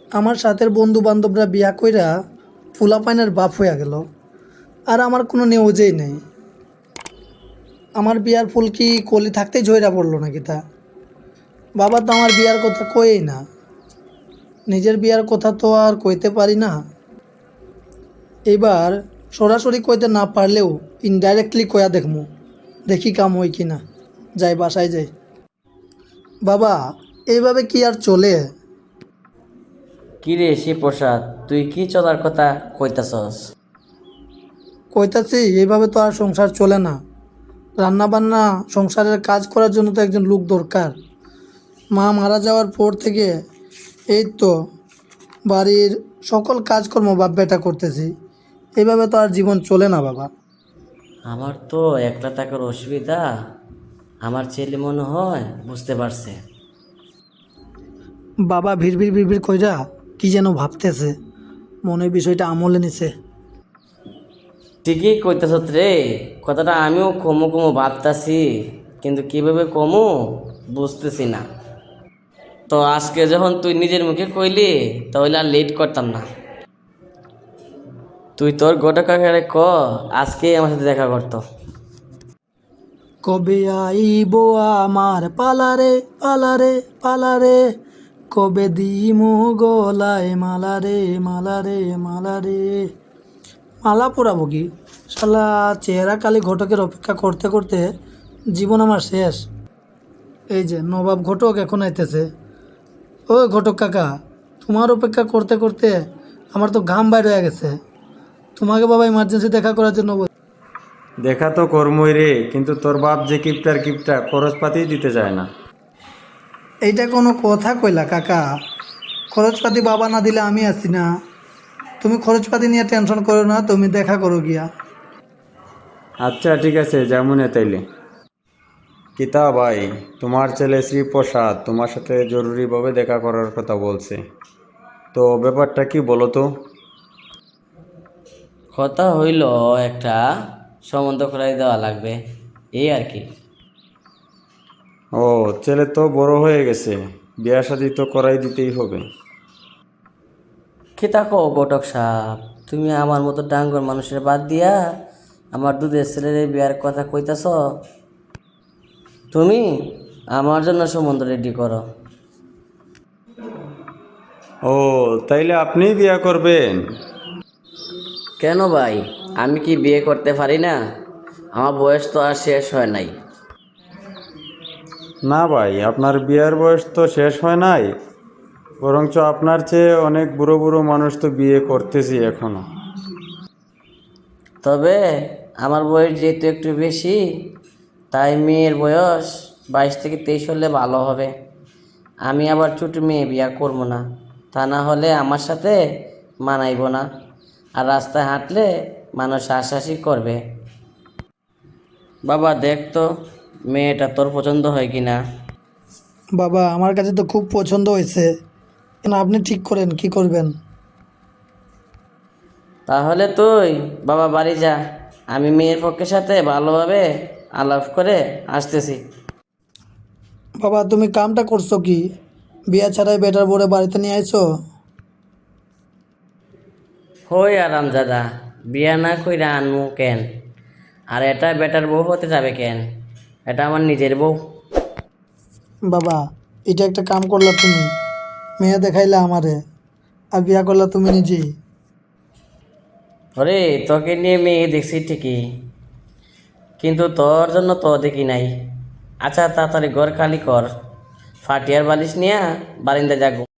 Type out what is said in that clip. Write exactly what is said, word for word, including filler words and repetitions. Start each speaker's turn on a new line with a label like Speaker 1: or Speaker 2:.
Speaker 1: আমার সাথের বন্ধু বান্ধবরা বিয়া কইরা পোলাপাইনের বাপ হইয়া গেল, আর আমার কোনো নিউজেই নেই। আমার বিয়ার ফুল কি কলি থাকতেই ঝইরা পড়লো নাকি তা? বাবা তো আমার বিয়ার কথা কয়েই না, নিজের বিয়ার কথা তো আর কইতে পারি না। এবার সরাসরি কইতে না পারলেও ইনডাইরেক্টলি কয়া দেখমু, দেখি কাম হই কি না। যাই বাসায় যাই। বাবা, এইভাবে কি আর চলে?
Speaker 2: কি রে শিবপ্রসাদ, তুই কি চলার কথা কইতাছস?
Speaker 1: কইতাছি এইভাবে তো আর সংসার চলে না। রান্না বান্না সংসারের কাজ করার জন্য তো একজন লোক দরকার। মা মারা যাওয়ার পর থেকে এই তো বাড়ির সকল কাজকর্ম বাপ বেটা করতেছি। এইভাবে তো আর জীবন চলে না বাবা।
Speaker 2: আমার তো একলা থাকার অসুবিধা আমার ছেলে মনে হয় বুঝতে পারছে।
Speaker 1: বাবা ভিড় ভিড় কইরা কি যেন ভাবতেছে, মনে হয় বিষয়টা আমলে নিছে।
Speaker 2: ঠিকই কইতাছ রে, কথাটা আমিও কমো কমো ভাবতাছি, কিন্তু কিভাবে কমো বুঝতেছি না। তো আজকে যখন তুই নিজের মুখে কইলি তাহলে আর লেট করতাম না। তুই তোর গোটা কাকারে ক আজকে আমার সাথে দেখা করতো।
Speaker 1: কবে আইব আমার পালারে পালারে পালারে, কবে দিমু গলায় মালারে মালারে মালারে। মালা পরাবো কি? শালা চেহারা কালী ঘটকের অপেক্ষা করতে করতে জীবন আমার শেষ। এই যে নবাব ঘটক এখন আইতেছে। ও ঘটক কাকা, তোমার অপেক্ষা করতে করতে আমার তো ঘাম বাইর হয়ে গেছে। তোমাকে বাবা ইমার্জেন্সি দেখা করার জন্য বল-
Speaker 3: দেখা তো কর্মই রে, কিন্তু তোর বাপ যে কিপটার কিপটা খরচপাতি দিতে চায় না।
Speaker 1: এইটা কোনো কথা কইলা কাকা? খরচপাতি বাবা না দিলে আমি আছি না। তুমি খরচপাতি নিয়ে টেনশন করো না, তুমি দেখা করো গিয়া।
Speaker 3: আচ্ছা ঠিক আছে, যেমন তাইলে। কিতা ভাই, তোমার ছেলে শ্রীপ্রসাদ তোমার সাথে জরুরিভাবে দেখা করার কথা বলছে, তো ব্যাপারটা কি বলো তো?
Speaker 2: কথা হইল একটা সম্বন্ধ করাই দেওয়া লাগবে, এই আর কি।
Speaker 3: ও, ছেলে তো বড় হয়ে গেছে, বিয়া শাদি তো করাই দিতেই হবে।
Speaker 2: কি তাকো ঘটক সাহেব, তুমি আমার মতো ডাঙ্গর মানুষের বাদ দিয়া আমার দুধের ছেলের বিয়ার কথা কইতাছ। তুমি আমার জন্য সম্বন্ধ রেডি করো।
Speaker 3: ও, তাইলে আপনিই বিয়া করবেন?
Speaker 2: কেন ভাই, আমি কি বিয়ে করতে পারি না? আমার বয়স তো আর শেষ হয় নাই।
Speaker 3: না ভাই, আপনার বিয়ার বয়স তো শেষ হয় নাই, বরঞ্চ আপনার চেয়ে অনেক বুড়ো বুড়ো মানুষ তো বিয়ে করতেছি এখনো।
Speaker 2: তবে আমার বয়স যেহেতু একটু বেশি, তাই মেয়ের বয়স বাইশ থেকে তেইশ হলে ভালো হবে। আমি আবার ছোট মেয়ে বিয়া করবো না, তা না হলে আমার সাথে মানাইব না, আর রাস্তায় হাঁটলে মানুষ হাসাহাসি করবে। বাবা দেখ তো মেয়েটা তোর পছন্দ হয় কি না।
Speaker 1: বাবা আমার কাছে তো খুব পছন্দ হয়েছে, কেন আপনি ঠিক করেন কি করবেন।
Speaker 2: তাহলে তুই বাবা বাড়ি যা, আমি মেয়ের পক্ষের সাথে ভালোভাবে আলাপ করে আসতেছি।
Speaker 1: বাবা তুমি কামটা করছো কি? বিয়া ছাড়াই বেটার বরে বাড়িতে নিয়ে আইছো?
Speaker 2: হই আরাম দাদা, বিয়া না কইরা আনমু কেন? আর এটা বেটার বউ হতে যাবে কেন? এটা আমার নিজের বউ।
Speaker 1: বাবা এটা একটা কাম করলা তুমি, মেয়ে দেখাইলা আমারে, আর বিয়া করলা তুমি নিজেই।
Speaker 2: ওরে তোকে নিয়ে মেয়ে দেখছি ঠিকই, কিন্তু তোর জন্য তো দেখি নাই। আচ্ছা তাড়াতাড়ি ঘর খালি কর, ফাটিয়ার বালিশ নিয়ে বারিন্দা যাগো।